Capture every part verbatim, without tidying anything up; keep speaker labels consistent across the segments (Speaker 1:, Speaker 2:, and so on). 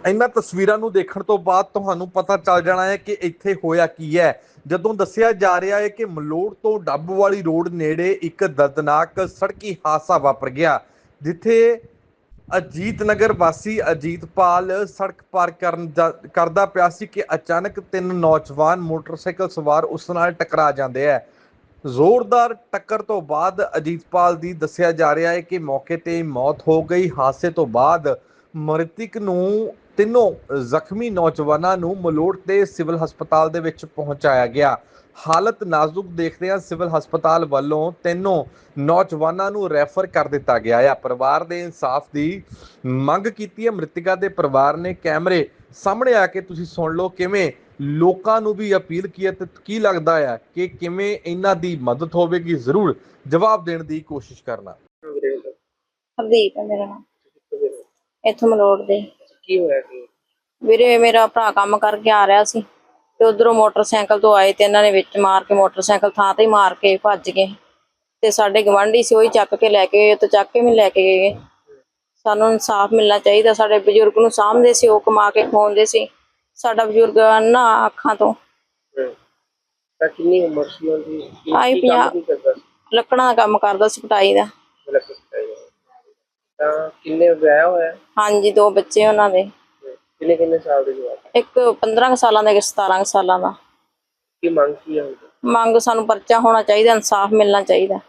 Speaker 1: ਇਹਨਾਂ ਤਸਵੀਰਾਂ ਨੂੰ ਦੇਖਣ ਤੋਂ ਬਾਅਦ ਤੁਹਾਨੂੰ ਪਤਾ ਚੱਲ ਜਾਣਾ ਹੈ ਕਿ ਇੱਥੇ ਹੋਇਆ ਕੀ ਹੈ। ਜਦੋਂ ਦੱਸਿਆ ਜਾ ਰਿਹਾ ਹੈ ਕਿ ਮਲੋੜ ਤੋਂ ਡੱਬ ਵਾਲੀ ਰੋਡ ਨੇੜੇ ਇੱਕ ਦਰਦਨਾਕ ਸੜਕੀ ਹਾਦਸਾ ਵਾਪਰ ਗਿਆ, ਜਿੱਥੇ ਅਜੀਤ ਨਗਰ ਵਾਸੀ ਅਜੀਤਪਾਲ ਸੜਕ ਪਾਰ ਕਰਨ ਕਰਦਾ ਪਿਆ ਸੀ ਕਿ ਅਚਾਨਕ ਤਿੰਨ ਨੌਜਵਾਨ ਮੋਟਰਸਾਈਕਲ ਸਵਾਰ ਉਸ ਨਾਲ ਟਕਰਾ ਜਾਂਦੇ ਹੈ। ਜ਼ੋਰਦਾਰ ਟੱਕਰ ਤੋਂ ਬਾਅਦ ਅਜੀਤਪਾਲ ਦੀ ਦੱਸਿਆ ਜਾ ਰਿਹਾ ਹੈ ਕਿ ਮੌਕੇ ਤੇ ਮੌਤ ਹੋ ਗਈ। ਹਾਦਸੇ ਤੋਂ ਬਾਅਦ ਮ੍ਰਿਤਕ ਨੂੰ ਤਿੰਨੋਂ ਜ਼ਖਮੀ ਨੌਜਵਾਨਾਂ ਨੂੰ ਮਲੋੜ ਦੇ ਸਿਵਲ ਹਸਪਤਾਲ ਦੇ ਵਿੱਚ ਪਹੁੰਚਾਇਆ ਗਿਆ। ਹਾਲਤ ਨਾਜ਼ੁਕ ਦੇਖਦਿਆਂ ਸਿਵਲ ਹਸਪਤਾਲ ਵੱਲੋਂ ਤਿੰਨੋਂ ਨੌਜਵਾਨਾਂ ਨੂੰ ਰੈਫਰ ਕਰ ਦਿੱਤਾ ਗਿਆ ਹੈ। ਪਰਿਵਾਰ ਦੇ ਇਨਸਾਫ ਦੀ ਮੰਗ ਕੀਤੀ ਹੈ। ਮ੍ਰਿਤਕਾਂ ਦੇ ਪਰਿਵਾਰ ਨੇ ਕੈਮਰੇ ਸਾਹਮਣੇ ਆ ਕੇ ਤੁਸੀਂ ਸੁਣ ਲਓ ਕਿਵੇਂ ਲੋਕਾਂ ਨੂੰ ਵੀ ਅਪੀਲ ਕੀ ਹੈ ਤੇ ਕੀ ਲੱਗਦਾ ਹੈ ਕਿ ਕਿਵੇਂ ਇਹਨਾਂ ਦੀ ਮਦਦ ਹੋਵੇਗੀ। ਜ਼ਰੂਰ ਜਵਾਬ ਦੇਣ ਦੀ ਕੋਸ਼ਿਸ਼ ਕਰਨਾ।
Speaker 2: ਹਰਦੀਪ ਹੈ ਮੇਰਾ ਨਾਮ, ਇੱਥੋਂ ਮਲੋੜ ਦੇ।
Speaker 3: ਕੀ ਹੋਇਆ ਕੀ?
Speaker 2: ਵੀਰੇ ਮੇਰਾ ਭਰਾ ਕੰਮ ਕਰਕੇ ਆ ਰਿਹਾ ਸੀ ਤੇ ਉਧਰੋਂ ਮੋਟਰਸਾਈਕਲ ਤੋਂ ਆਏ ਤੇ ਇਹਨਾਂ ਨੇ ਵਿੱਚ ਮਾਰ ਕੇ ਮੋਟਰਸਾਈਕਲ ਥਾਂ ਤੇ ਹੀ ਮਾਰ ਕੇ ਭੱਜ ਗਏ ਤੇ ਸਾਡੇ ਗਵਾਂਢੀ ਸੀ ਉਹੀ ਚੱਕ ਕੇ ਲੈ ਕੇ ਗਏ ਤੇ ਚੱਕ ਕੇ ਵੀ ਲੈ ਕੇ ਗਏ। ਸਾਨੂੰ ਇਨਸਾਫ ਮਿਲਣਾ ਚਾਹੀਦਾ। ਸਾਡੇ ਬਜ਼ੁਰਗ ਨੂੰ ਸਾਂਭਦੇ ਸੀ, ਉਹ ਕਮਾ ਕੇ ਖਵਾਉਂਦੇ ਸੀ। ਸਾਡਾ ਬਜ਼ੁਰਗ ਨਾ ਅੱਖਾਂ ਤੋਂ।
Speaker 3: ਤਾਂ ਕਿੰਨੀ ਉਮਰ ਸੀ ਉਹਦੀ?
Speaker 2: ਆਈ ਪੰਜਾਹ। ਲੱਕੜਾਂ ਦਾ ਕੰਮ ਕਰਦਾ ਸੀ, ਪਟਾਈ ਦਾ।
Speaker 3: ਤਾਂ ਕਿੰਨੇ ਵਿਆਹ ਹੋਇਆ?
Speaker 2: ਹਾਂਜੀ, ਦੋ ਬੱਚੇ ਉਹਨਾਂ ਦੇ।
Speaker 3: ਕਿੰਨੇ ਕਿੰਨੇ ਸਾਲ ਦੇ ਜਵਾਕ?
Speaker 2: ਇੱਕ ਪੰਦਰਾਂ ਸਾਲਾਂ ਦਾ, ਇੱਕ ਸਤਾਰਾਂ ਸਾਲਾਂ ਦਾ।
Speaker 3: ਕੀ ਮੰਗ ਕੀ ਹੈ?
Speaker 2: ਮੰਗ ਸਾਨੂੰ ਪਰਚਾ ਹੋਣਾ ਚਾਹੀਦਾ, ਇਨਸਾਫ ਮਿਲਣਾ ਚਾਹੀਦਾ।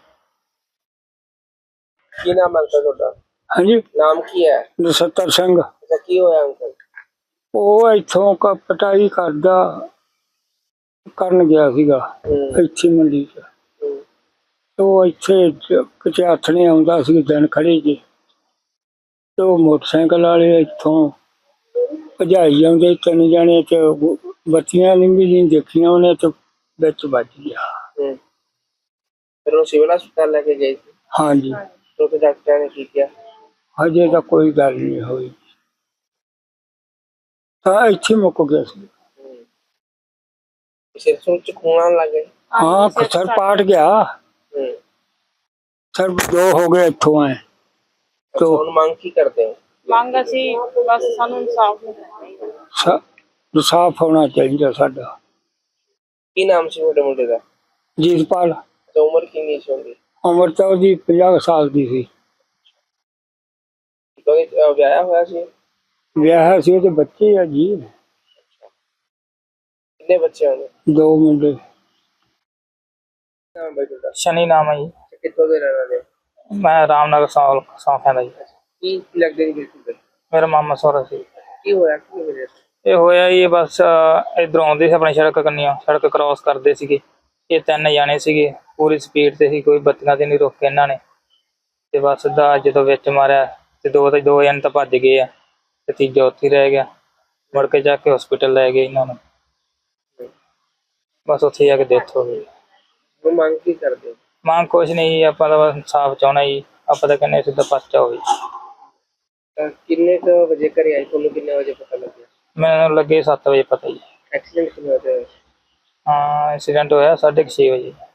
Speaker 3: ਕੀ ਨਾਮ ਹੈ ਤੁਹਾਡਾ?
Speaker 4: ਹਾਂਜੀ,
Speaker 3: ਨਾਮ ਕੀ ਹੈ?
Speaker 4: ਨਛੱਤਰ ਸਿੰਘ।
Speaker 3: ਅੱਛਾ, ਕੀ ਹੋਇਆ ਅੰਕਲ?
Speaker 4: ਉਹ ਇੱਥੋਂ ਕ ਪਟਾਈ ਕਰਦਾ ਕਰਨ ਗਿਆ ਸੀਗਾ ਇੱਥੇ ਮੰਡੀ ਚ। ਉਹ ਇੱਥੇ ਕਿਤੇ ਹੱਥ ਨਹੀਂ ਆਉਂਦਾ ਸੀ, ਦਿਨ ਖੜੇ ਜੇ ਤੇ ਉਹ ਮੋਟਰਸਾਈਕਲ ਵਾਲੇ ਇੱਥੋਂ ਭਜਾਈ ਜਾਂਦੇ ਤਿੰਨ ਜਾਣੇ ਤੇ ਬੱਤੀਆਂ ਨਹੀਂ ਵੀ ਦੇਖੀਆਂ ਉਹਨੇ ਤੇ ਵਿੱਚ ਵੱਜ ਗਿਆ।
Speaker 3: ਫਿਰ ਉਹ ਸਿਵਲ ਹਸਪਤਾਲ ਲੈ ਕੇ ਗਏ ਸੀ?
Speaker 4: ਹਾਂਜੀ।
Speaker 3: ਤੇ ਡਾਕਟਰਾਂ ਨੇ ਕੀ ਕਿਹਾ?
Speaker 4: ਹਜੇ ਤਾਂ ਕੋਈ ਗੱਲ ਨਹੀਂ ਹੋਈ, ਤਾਂ ਇੱਥੇ ਮੁੱਕ ਗਿਆ ਸੀ।
Speaker 3: ਸਿਰ ਸੁਰ ਚ ਖੂਨ ਆਉਣ ਲੱਗ ਗਿਆ?
Speaker 4: ਹਾਂ, ਸਰ ਪਾਟ ਗਿਆ। ਸਰ ਦੋ ਹੋ ਗਏ ਇੱਥੋਂ ਆਏ।
Speaker 3: तो ਹੁਣ ਮੰਗ ਕੀ ਕਰਦੇ ਹੋ?
Speaker 2: ਮੰਗ ਅਸੀਂ ਬਸ ਸਾਨੂੰ ਇਨਸਾਫ ਮਿਲਣਾ ਚਾਹੀਦਾ।
Speaker 4: ਇਨਸਾਫ ਹੋਣਾ ਚਾਹੀਦਾ ਸਾਡਾ।
Speaker 3: ਕੀ ਨਾਮ ਸੀ ਤੁਹਾਡੇ ਮੁੰਡੇ ਦਾ?
Speaker 4: ਜੀਤਪਾਲ।
Speaker 3: ਤੇ ਉਮਰ ਕਿੰਨੀ ਸੀ ਉਹਦੀ?
Speaker 4: ਉਮਰ ਤਾਂ ਉਹਦੀ ਪੰਜਾਹ ਸਾਲ ਦੀ ਸੀ।
Speaker 3: ਵਿਆਹਿਆ ਹੋਇਆ ਸੀ?
Speaker 4: ਵਿਆਹ ਸੀ, ਉਹਦੇ ਬੱਚੇ ਆ ਜੀ।
Speaker 3: ਕਿੰਨੇ ਬੱਚੇ ਹੋਣੇ?
Speaker 4: ਦੋ ਮੁੰਡੇ।
Speaker 3: ਨਾਮ ਬਾਈ ਤੁਹਾਡਾ?
Speaker 5: ਸ਼ਨੀ ਨਾਮ ਹੈ ਜੀ।
Speaker 3: ਕਿੱਥੋਂ ਦੇ ਰਹਿਣ ਵਾਲੇ?
Speaker 5: ਮੈਂ ਰਾਮਨਗਰ ਸੌਲ ਸੌਂਫਿਆਂ ਦਾ ਜੀ।
Speaker 3: ਕੀ ਲੱਗਦੇ ਜੀ ਬਿਲਕੁਲ?
Speaker 5: ਮੇਰਾ ਮਾਮਾ ਸਹੁਰਾ ਸੀ।
Speaker 3: ਕੀ ਹੋਇਆ? ਕੀ ਹੋਇਆ?
Speaker 5: ਇਹ ਹੋਇਆ ਜੀ ਬਸ ਇਧਰੋਂ ਆਉਂਦੇ ਸੀ ਆਪਣੀ ਸੜਕ ਕੰਨੀਆਂ, ਸੜਕ ਕ੍ਰਾਸ ਕਰਦੇ ਸੀਗੇ। ਇਹ ਤਿੰਨ ਜਾਣੇ ਸੀਗੇ, ਪੂਰੀ ਸਪੀਡ ਤੇ ਸੀ, ਕੋਈ ਬੱਤੀਆਂ ਤੇ ਨਹੀਂ ਰੋਕੇ ਇਹਨਾਂ ਨੇ। ਤੇ ਬਸ ਸਿੱਧਾ ਜਦੋਂ ਵਿੱਚ ਮਾਰਿਆ ਤੇ ਦੋ ਤੇ ਦੋ ਜਣੇ ਤਾਂ ਭੱਜ ਗਏ ਆ ਤੇ ਤੀਜਾ ਉੱਥੇ ਹੀ ਰਹਿ ਗਿਆ। ਮੁੜ ਕੇ ਜਾ ਕੇ ਹਸਪੀਟਲ ਲੈ ਗਏ ਇਹਨਾਂ ਨੂੰ, ਬਸ ਉੱਥੇ ਜਾ ਕੇ ਡੈਥ ਹੋ ਗਈ।
Speaker 3: ਉਹ ਮੰਗ ਕੀ ਕਰਦੇ?
Speaker 5: ਮੰਗ ਕੁਛ ਨਹੀਂ, ਆਪਾਂ ਤਾਂ ਬਸ ਇਨਸਾਫ ਚਾਹੁੰਦਾ ਜੀ। ਆਪਾਂ ਤਾਂ ਕਹਿੰਦੇ ਸਿੱਧਾ ਪਰਚਾ ਹੋਵੇ।
Speaker 3: ਕਿੰਨੇ ਕੁ ਵਜੇ ਘਰੇ ਆਏ? ਤੁਹਾਨੂੰ ਕਿੰਨੇ ਵਜੇ ਪਤਾ ਲੱਗਿਆ?
Speaker 5: ਮੈਨੂੰ ਲੱਗੇ ਸੱਤ ਵਜੇ ਪਤਾ ਜੀ।
Speaker 3: ਐਕਸੀਡੈਂਟ ਕਿਵੇਂ ਹੋਇਆ?
Speaker 5: ਹਾਂ, ਐਕਸੀਡੈਂਟ ਹੋਇਆ ਸਾਢੇ ਕੁ ਛੇ ਵਜੇ।